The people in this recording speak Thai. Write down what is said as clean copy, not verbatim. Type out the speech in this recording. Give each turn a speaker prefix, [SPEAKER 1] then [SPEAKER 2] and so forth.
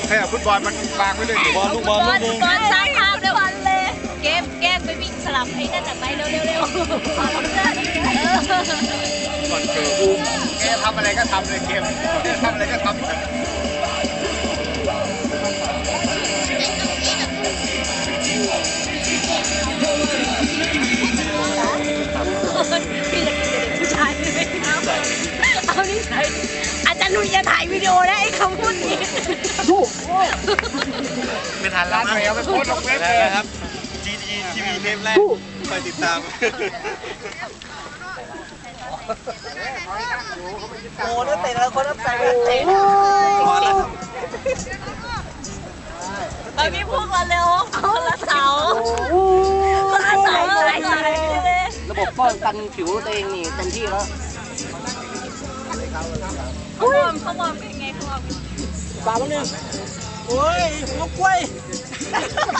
[SPEAKER 1] แค่ฟุตบอลมันวางไว้เลยบอลลูกบอลลูกนึง
[SPEAKER 2] บอลสร้างภาพด้วยบอลเลยเกมแกล้งไปวิ่งสลับไอ้นั่นน่ะไปเร็วๆเร็ว
[SPEAKER 1] ก่อนเกิดบูมแกทำอะไรก็ทำเลยเกมทำอะไรก็ทำ
[SPEAKER 2] พี่จะกินแต่เด็กผู้ชายเลยเอานี่ใส่อาจารย์นุ่ยจะถ่ายวิดีโอได้ไอ้คำพูดนี้
[SPEAKER 1] ไม่ทันแล้วเอาไปโพสต์ลงเว็บเลยครับ GGTV เทปแรกไปติดตาม
[SPEAKER 3] โอ้นักเตะแล้วคนนักเตะนักเตะพอแล้ว
[SPEAKER 2] เอาพี่พูดมาเร็วคนละเสาคนละเสาเลย
[SPEAKER 3] ระบบป้องกันผิวตัวเองนี่เต็มที่แล้ว
[SPEAKER 2] เขามองเป็นไงเขามอง
[SPEAKER 3] สามนึงโอ้ยลูกกล้วย